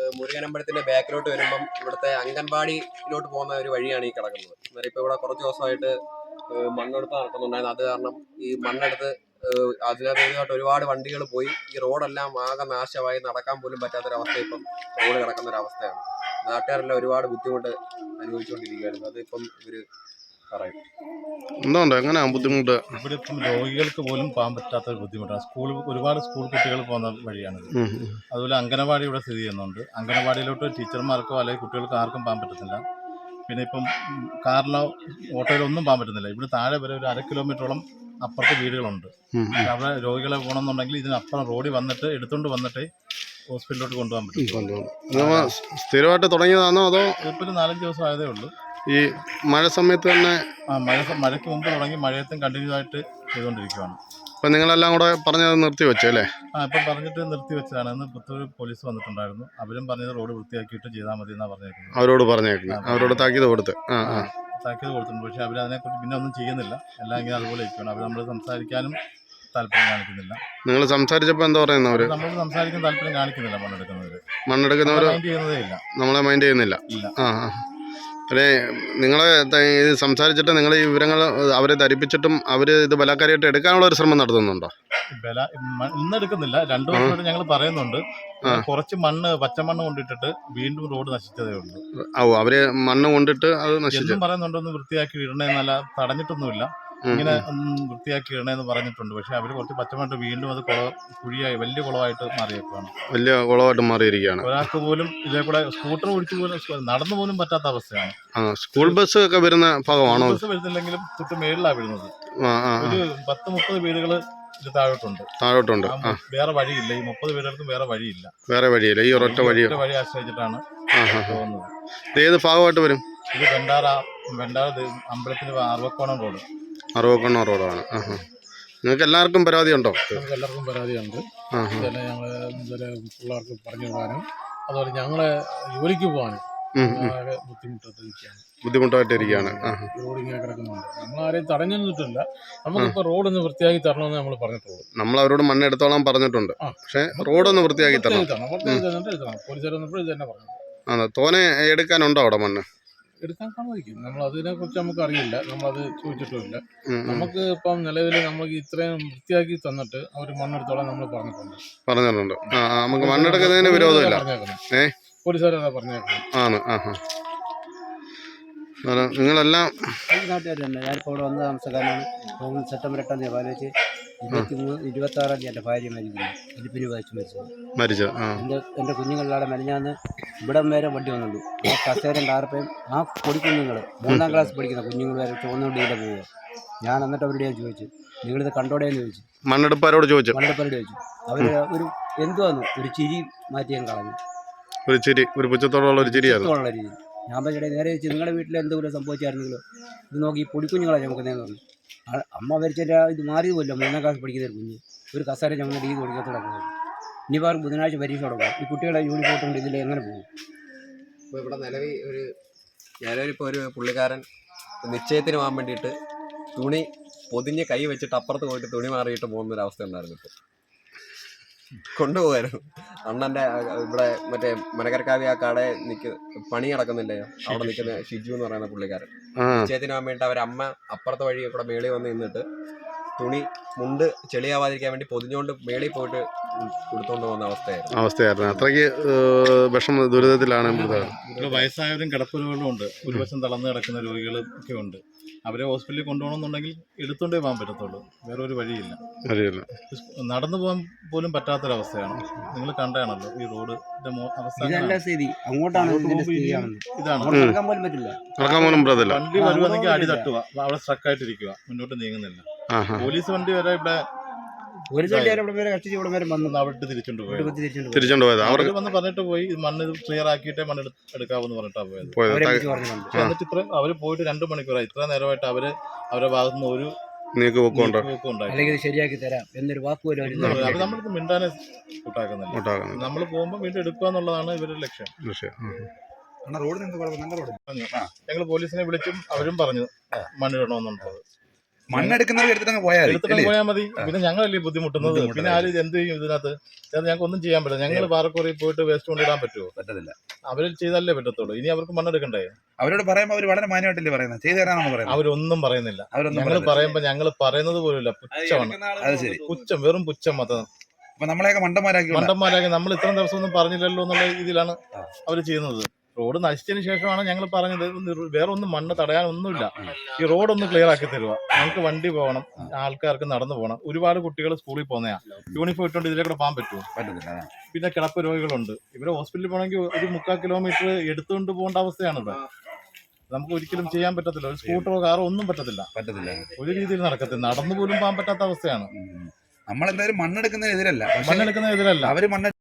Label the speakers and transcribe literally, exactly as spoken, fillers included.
Speaker 1: മുരുകനമ്പലത്തിന്റെ ബാക്കിലോട്ട് വരുമ്പം ഇവിടുത്തെ അംഗൻവാടിയിലോട്ട് പോകുന്ന ഒരു വഴിയാണ് ഈ കിടക്കുന്നത്. അന്നേരം ഇപ്പൊ ഇവിടെ കുറച്ച് ദിവസമായിട്ട് മണ്ണെടുപ്പ് നടക്കുന്നുണ്ടായിരുന്നു. അത് കാരണം ഈ മണ്ണെടുത്ത് അതിനകത്ത് ഒരുപാട് വണ്ടികൾ പോയി ഈ റോഡെല്ലാം ആകെ നാശമായി നടക്കാൻ പോലും പറ്റാത്തൊരവസ്ഥ ഇപ്പം റോഡ് കിടക്കുന്ന ഒരു അവസ്ഥയാണ്. നാട്ടുകാരെല്ലാം ഒരുപാട് ബുദ്ധിമുട്ട് അനുഭവിച്ചുകൊണ്ടിരിക്കുകയായിരുന്നു. അതിപ്പം ഇവര് പറയും.
Speaker 2: എന്തുകൊണ്ട് എങ്ങനെയാ ബുദ്ധിമുട്ട്?
Speaker 3: ഇവിടെ ഇപ്പം രോഗികൾക്ക് പോലും പോകാൻ പറ്റാത്ത ഒരു ബുദ്ധിമുട്ടാണ്. സ്കൂൾ ഒരുപാട് സ്കൂൾ കുട്ടികൾ പോകുന്ന വഴിയാണിത്. അതുപോലെ അംഗനവാടി ഇവിടെ സ്ഥിതി ചെയ്യുന്നുണ്ട്. അംഗനവാടിയിലോട്ട് ടീച്ചർമാർക്കോ അല്ലെങ്കിൽ കുട്ടികൾക്ക് ആർക്കും പോകാൻ പറ്റത്തില്ല. പിന്നെ ഇപ്പം കാറിലോ ഓട്ടോയിലോ ഒന്നും പോകാൻ പറ്റുന്നില്ല. ഇവിടെ താഴെ വരെ ഒരു അര കിലോമീറ്ററോളം അപ്പുറത്ത് വീടുകളുണ്ട്. അവിടെ രോഗികളെ പോകണമെന്നുണ്ടെങ്കിൽ ഇതിനപ്പുറം റോഡിൽ വന്നിട്ട് എടുത്തുകൊണ്ട് വന്നിട്ട് ഹോസ്പിറ്റലിലോട്ട് കൊണ്ടുപോകാൻ പറ്റും.
Speaker 2: സ്ഥിരമായിട്ട് തുടങ്ങിയതാണോ അതോ
Speaker 3: ഇപ്പോൾ ഒരു നാലഞ്ച് ദിവസം ആയതേ ഉള്ളൂ.
Speaker 2: ഈ മഴ സമയത്ത് തന്നെ?
Speaker 3: ആ മഴ മഴയ്ക്ക് മുമ്പ് തുടങ്ങി മഴയത്തും കണ്ടിന്യൂ ആയിട്ട് ചെയ്തുകൊണ്ടിരിക്കുകയാണ്.
Speaker 2: അപ്പം നിങ്ങളെല്ലാം കൂടെ പറഞ്ഞത് നിർത്തി വെച്ചു അല്ലേ?
Speaker 3: ആ ഇപ്പം പറഞ്ഞിട്ട് നിർത്തി വെച്ചതാണ്. ഇന്ന് പുത്തൂർ പോലീസ് വന്നിട്ടുണ്ടായിരുന്നു. അവരും പറഞ്ഞത് റോഡ് വൃത്തിയാക്കിയിട്ട് ചെയ്താൽ മതി എന്നാണ് പറഞ്ഞേക്കുന്നത്.
Speaker 2: അവരോട് പറഞ്ഞേക്കുന്നത് അവരോട് താക്കീത് കൊടുത്ത് ആ ആ
Speaker 3: താക്കീത് കൊടുത്തിട്ടുണ്ട്. പക്ഷേ അവർ അതിനെക്കുറിച്ച് പിന്നെ ഒന്നും ചെയ്യുന്നില്ല. എല്ലാം ഇങ്ങനെ അതുപോലെ ഇരിക്കുകയാണ്. അവർ നമ്മൾ സംസാരിക്കാനും താല്പര്യം കാണിക്കുന്നില്ല.
Speaker 2: നിങ്ങൾ സംസാരിച്ചപ്പോൾ എന്താ പറയുന്നത്? അവർ
Speaker 3: നമ്മൾ സംസാരിക്കാൻ താല്പര്യം കാണിക്കുന്നില്ല. മണ്ണെടുക്കുന്നവർ
Speaker 2: മണ്ണെടുക്കുന്നവർ
Speaker 3: മൈൻഡ് ചെയ്യുന്നതേ ഇല്ല.
Speaker 2: നമ്മളെ മൈൻഡ് ചെയ്യുന്നില്ല. ആ ആ അല്ലേ, നിങ്ങളെ ഇത് സംസാരിച്ചിട്ട് നിങ്ങൾ ഈ വിവരങ്ങൾ അവരെ ധരിപ്പിച്ചിട്ടും അവർ ഇത് ബലാത്കാരമായിട്ട് എടുക്കാനുള്ള ഒരു ശ്രമം നടത്തുന്നുണ്ടോ?
Speaker 3: ബല ഇന്ന് എടുക്കുന്നില്ല. രണ്ടു ദിവസമായിട്ട് ഞങ്ങൾ പറയുന്നുണ്ട്. കുറച്ച് മണ്ണ് പച്ചമണ്ണ് കൊണ്ടിട്ടിട്ട് വീണ്ടും റോഡ് നശിച്ചതേ ഉള്ളൂ.
Speaker 2: ഓ അവര് മണ്ണ് കൊണ്ടിട്ട് അത് നശിച്ചു
Speaker 3: പറയുന്നുണ്ടൊന്ന് വൃത്തിയാക്കി ഇടണേന്നല്ല, തടഞ്ഞിട്ടൊന്നുമില്ല. ഇങ്ങനെ വൃത്തിയാക്കി ഇടണേന്ന് പറഞ്ഞിട്ടുണ്ട്. പക്ഷെ അവര് കുറച്ച് പച്ചമണ്ണ് വീണ്ടും അത് കുള കുഴിയായി വലിയ കുളമായിട്ട് മാറിയേക്കാണ്.
Speaker 2: വലിയ കുളമായിട്ട് മാറിയിരിക്കുകയാണ്.
Speaker 3: ഒരാൾക്ക് പോലും ഇതേ കൂടെ സ്കൂട്ടർ ഓടിച്ചു പോലും നടന്നു പോലും പറ്റാത്ത അവസ്ഥയാണ്.
Speaker 2: സ്കൂൾ ബസ് ഒക്കെ വരുന്ന ഭാഗമാണോ?
Speaker 3: ബസ് വരുന്നില്ലെങ്കിലും തൊട്ട് മേളിലാണ് വീഴുന്നത്. ഒരു പത്ത് മുപ്പത് വീടുകള് ഇത് താഴോട്ടുണ്ട്
Speaker 2: താഴോട്ടുണ്ട്
Speaker 3: വേറെ വഴിയില്ല. ഈ മുപ്പത് വീടുകൾക്കും വേറെ വഴിയില്ല.
Speaker 2: വേറെ വഴിയില്ല. ഈ ഒരൊറ്റ വഴി
Speaker 3: വഴി ആശ്രയിച്ചിട്ടാണ് പോകുന്നത്.
Speaker 2: ഇത് ഏത് ഭാഗമായിട്ട് വരും? ഇത്
Speaker 3: വെണ്ടാറ വെണ്ടാറ അമ്പലത്തിന് അറുവക്കോണം റോഡ്.
Speaker 2: അറുവക്കോണം റോഡാണ്. നിങ്ങൾക്ക് എല്ലാവർക്കും പരാതി ഉണ്ടോ?
Speaker 4: നമുക്ക് എല്ലാവർക്കും പരാതിയുണ്ട്. ഇതെല്ലാം ഞങ്ങൾ ഇതുവരെ പിള്ളേർക്ക് പറഞ്ഞു വിടാനും അതുപോലെ ഞങ്ങളെ ജോലിക്ക് പോകാനും ബുദ്ധിമുട്ടായിട്ടിരിക്കുകയാണ്
Speaker 2: ബുദ്ധിമുട്ടായിട്ടിരിക്കുകയാണ്
Speaker 4: റോഡ് ഇങ്ങനെ കിടക്കുന്നുണ്ട്. നമ്മൾ ആരെയും തടഞ്ഞു നിന്നിട്ടില്ല. നമുക്കിപ്പോൾ റോഡൊന്ന് വൃത്തിയാക്കി തരണമെന്ന് നമ്മൾ പറഞ്ഞിട്ടുള്ളൂ.
Speaker 2: നമ്മൾ അവരോട് മണ്ണ് എടുത്തോളാൻ പറഞ്ഞിട്ടുണ്ട്. പക്ഷേ റോഡൊന്ന് വൃത്തിയാക്കി തരണം.
Speaker 4: പോലീസുകാർ വന്നപ്പോൾ ഇത് തന്നെ പറഞ്ഞു.
Speaker 2: ആ തോനെ എടുക്കാനുണ്ടോ അവിടെ മണ്ണ്?
Speaker 4: എടുക്കാൻ സമ്മതിക്കും. നമ്മൾ അതിനെ കുറിച്ച് നമുക്ക് അറിയില്ല. നമ്മളത് ചോദിച്ചിട്ടുമില്ല. നമുക്ക് ഇപ്പം നിലവിൽ നമുക്ക് ഇത്രയും വൃത്തിയാക്കി തന്നിട്ട് അവർ മണ്ണെടുത്തോളാൻ നമ്മൾ പറഞ്ഞിട്ടുണ്ട്
Speaker 2: പറഞ്ഞിട്ടുണ്ട് നമുക്ക് മണ്ണെടുക്കുന്നതിന് വിരോധമില്ല. ഏഹ്
Speaker 4: പോലീസുകാരെ പറഞ്ഞേക്കണം
Speaker 2: ആണ്. ആ ഹാ നിങ്ങളെല്ലാം
Speaker 5: നാട്ടുകാർ തന്നെ. ഞാനിപ്പോൾ ഇവിടെ വന്ന താമസക്കാരനാണ്. സെപ്റ്റംബർ എട്ടാം തീയതി പാലിച്ച് ഇരുപത്തി മൂന്ന് ഇരുപത്തി ആറാം തീയതി എൻ്റെ ഭാര്യ മരിക്കുന്നു. എലിപ്പിന് വായിച്ച് മരിച്ചത്
Speaker 2: മരിച്ചത്
Speaker 5: എൻ്റെ എൻ്റെ കുഞ്ഞുങ്ങളിലൂടെ മെനഞ്ഞാന്ന് ഇവിടം വരെ വണ്ടി വന്നുള്ളൂ. ആ കസേരയും ടാർപ്പയും ആ പൊടിക്കുഞ്ഞുങ്ങൾ മൂന്നാം ക്ലാസ് പഠിക്കുന്ന കുഞ്ഞുങ്ങൾ വരെ ചുവന്നുകൊണ്ടില്ല പോവുക. ഞാൻ എന്നിട്ട് അവരുടെ ഞാൻ ചോദിച്ചു, നിങ്ങളിത് കണ്ടോടെയെന്ന് ചോദിച്ചു.
Speaker 2: മണ്ണെടുപ്പാരോട് ചോദിച്ചു
Speaker 5: മണ്ണെടുപ്പാരോട് ചോദിച്ചു. അവർ ഒരു എന്തുവാന്നു ഒരു ചിരി മാറ്റിയാൻ കളഞ്ഞു.
Speaker 2: ഒരു ചിരി, ഒരു പുച്ഛത്തോടുള്ള ഒരു ചിരിയായിരുന്നു
Speaker 5: രീതി. ഞാൻ പറഞ്ഞിടേ നേരെ വെച്ച് നിങ്ങളുടെ വീട്ടിൽ എന്തെങ്കിലും സംഭവിച്ചായിരുന്നെങ്കിലോ ഇത് നോക്കി ഈ പൊടിക്കുഞ്ഞുങ്ങളെ ചുമക്കുന്നതെന്ന് പറഞ്ഞു. അമ്മ വരച്ചിട്ട് ഇത് മാറിയത് പോലും മൂന്നാം ക്ലാസ് പഠിക്കുന്ന ഒരു കുഞ്ഞ് ഒരു കസേര ചുമന്ന രീതി കൊടുക്കത്തോടെ പോകും. ഇനിയിപ്പോൾ ബുധനാഴ്ച പരീക്ഷ തുടങ്ങും. ഈ കുട്ടികളെ യൂണിഫോം കൊണ്ട് ഇതിൽ എങ്ങനെ പോകും?
Speaker 1: ഇപ്പോൾ ഇവിടെ നിലവിൽ ഒരു നിലവിലിപ്പോൾ ഒരു പുള്ളിക്കാരൻ നിശ്ചയത്തിന് പോകാൻ വേണ്ടിയിട്ട് തുണി പൊതിഞ്ഞ് കൈ വെച്ചിട്ട് അപ്പുറത്ത് പോയിട്ട് തുണി മാറിയിട്ട് പോകുന്നൊരവസ്ഥ ഉണ്ടായിരുന്നു. ഇപ്പോൾ കൊണ്ടുപോകായിരുന്നു. അണ്ണൻ്റെ ഇവിടെ മറ്റേ മനക്കരക്കാവി ആ കട നിൽക്ക് പണി നടക്കുന്നില്ലയോ, അവിടെ നിൽക്കുന്ന ഷിജു എന്ന് പറയുന്ന പുള്ളിക്കാരൻ നിശ്ചയത്തിന് പോകാൻ വേണ്ടിയിട്ട് അവരമ്മ അപ്പുറത്തെ വഴി കൂടെ മേളിൽ വന്ന് നിന്നിട്ട് തുണി മുണ്ട് ചെളിയാവാതിരിക്കാൻ വേണ്ടി പൊതിഞ്ഞുകൊണ്ട് മേളിൽ പോയിട്ട് കൊടുത്തോണ്ട് പോകുന്ന അവസ്ഥയായിരുന്നു
Speaker 2: അവസ്ഥയായിരുന്നു അത്രയ്ക്ക് വിഷമ ദുരിതത്തിലാണ്.
Speaker 3: വയസ്സായവരും കിടപ്പുരോഗികളും ഉണ്ട്. ഒരു വശം തളർന്ന് കിടക്കുന്ന രോഗികളും ഒക്കെ ഉണ്ട്. അവരെ ഹോസ്പിറ്റലിൽ കൊണ്ടുപോകണമെന്നുണ്ടെങ്കിൽ എടുത്തോണ്ടേ പോകാൻ പറ്റത്തുള്ളൂ. വേറെ ഒരു വഴിയില്ല. നടന്നു പോകാൻ പോലും പറ്റാത്തൊരവസ്ഥയാണ്. നിങ്ങൾ കണ്ടാണല്ലോ ഈ റോഡ് അവസ്ഥ.
Speaker 5: ഇതാണ്
Speaker 3: വണ്ടി വരുവാണെങ്കിൽ അടി തട്ടുക, അവിടെ സ്ട്രക്കായിട്ടിരിക്കുക, മുന്നോട്ട് നീങ്ങുന്നില്ല. പോലീസ് വണ്ടി വരെ ഇവിടെ അവിടെ തിരിച്ചുകൊണ്ട് പോയത്
Speaker 2: തിരിച്ചുകൊണ്ട് പോയത് അവർ
Speaker 3: വന്ന് പറഞ്ഞിട്ട് പോയി മണ്ണ് ക്ലിയർ ആക്കിയിട്ടേ മണ്ണ് എടുക്കാവെന്ന് പറഞ്ഞിട്ടാ പോയത്. എന്നിട്ട് ഇത്ര അവര് പോയിട്ട് രണ്ടു മണിക്കൂറായി. ഇത്ര നേരമായിട്ട് അവര് അവരുടെ ഭാഗത്തുനിന്ന് ഒരു
Speaker 5: ശരിയാക്കി തരാം എന്നൊരു വാക്കുപോലും
Speaker 3: അത് നമ്മൾക്ക് മിണ്ടാനെ കൂട്ടാക്കുന്നില്ല. നമ്മൾ പോകുമ്പോൾ വീണ്ടും എടുക്കുക എന്നുള്ളതാണ് ഇവരുടെ ലക്ഷ്യം. ഞങ്ങൾ പോലീസിനെ വിളിച്ചും അവരും പറഞ്ഞു മണ്ണിടണമെന്നുള്ളത്.
Speaker 6: മണ്ണെടുക്കുന്നവർ എടുത്തിട്ട് പോയാൽ
Speaker 3: എടുത്തിട്ട് പോയാൽ മതി. പിന്നെ ഞങ്ങളല്ലേ ബുദ്ധിമുട്ടുന്നത്. പിന്നെ ആര് എന്ത് ചെയ്യും ഇതിനകത്ത്? ഞങ്ങൾക്ക് ഒന്നും ചെയ്യാൻ പറ്റില്ല. ഞങ്ങൾ പാറക്കോറി പോയിട്ട് വേസ്റ്റ് കൊണ്ടിടാൻ പറ്റുമോ?
Speaker 6: പറ്റത്തില്ല.
Speaker 3: അവർ ചെയ്താലേ പറ്റത്തുള്ളൂ. ഇനി അവർക്ക് മണ്ണെടുക്കണ്ടേ?
Speaker 6: അവരോട് പറയുമ്പോൾ അവർ വളരെ മാന്യമായിട്ടല്ലേ പറയുന്നത്, ചെയ്തു തരാനാണ് പറയുന്നത്.
Speaker 3: അവരൊന്നും പറയുന്നില്ല.
Speaker 6: അവരൊന്നും
Speaker 3: ഞങ്ങൾ പറയുമ്പോ ഞങ്ങൾ പറയുന്നത് പോലുമില്ല. പുച്ഛമാണ്.
Speaker 6: അത് ശരി.
Speaker 3: പുച്ഛം, വെറും പുച്ഛം മാത്രം.
Speaker 6: അപ്പൊ നമ്മളെയൊക്കെ മണ്ടന്മാരാക്കി
Speaker 3: മണ്ടന്മാരാക്കി നമ്മൾ ഇത്രയും ദിവസം ഒന്നും പറഞ്ഞില്ലല്ലോ എന്നുള്ള രീതിയിലാണ് അവർ ചെയ്യുന്നത്. റോഡ് നശിച്ചതിന് ശേഷമാണ് ഞങ്ങൾ പറഞ്ഞത് വേറെ ഒന്നും മണ്ണ് തടയാൻ ഒന്നുമില്ല. ഈ റോഡ് ഒന്ന് ക്ലിയർ ആക്കി തരുക. ഞങ്ങൾക്ക് വണ്ടി പോകണം, ആൾക്കാർക്ക് നടന്നു പോകണം. ഒരുപാട് കുട്ടികൾ സ്കൂളിൽ പോകുന്നതാ. യൂണിഫോം ഇട്ടുകൊണ്ട് ഇതിലേക്കൂടെ പോകാൻ പറ്റുമോ?
Speaker 6: പറ്റത്തില്ല.
Speaker 3: പിന്നെ കിടപ്പ് രോഗികളുണ്ട്. ഇവരെ ഹോസ്പിറ്റലിൽ പോകണമെങ്കിൽ ഒരു മുക്കാൽ കിലോമീറ്റർ എടുത്തുകൊണ്ട് പോകേണ്ട അവസ്ഥയാണ് ഇവിടെ. നമുക്ക് ഒരിക്കലും ചെയ്യാൻ പറ്റത്തില്ല. ഒരു സ്കൂട്ടറോ കാറോ ഒന്നും പറ്റത്തില്ല.
Speaker 6: പറ്റത്തില്ല.
Speaker 3: ഒരു രീതിയിൽ നടക്കത്തില്ല. നടന്നു പോലും പോകാൻ പറ്റാത്ത അവസ്ഥയാണ്.
Speaker 6: നമ്മളെന്തായാലും മണ്ണെടുക്കുന്നതിനെതിരല്ല.
Speaker 3: മണ്ണെടുക്കുന്നതിനെതിരല്ല.
Speaker 6: അവര് മണ്ണ്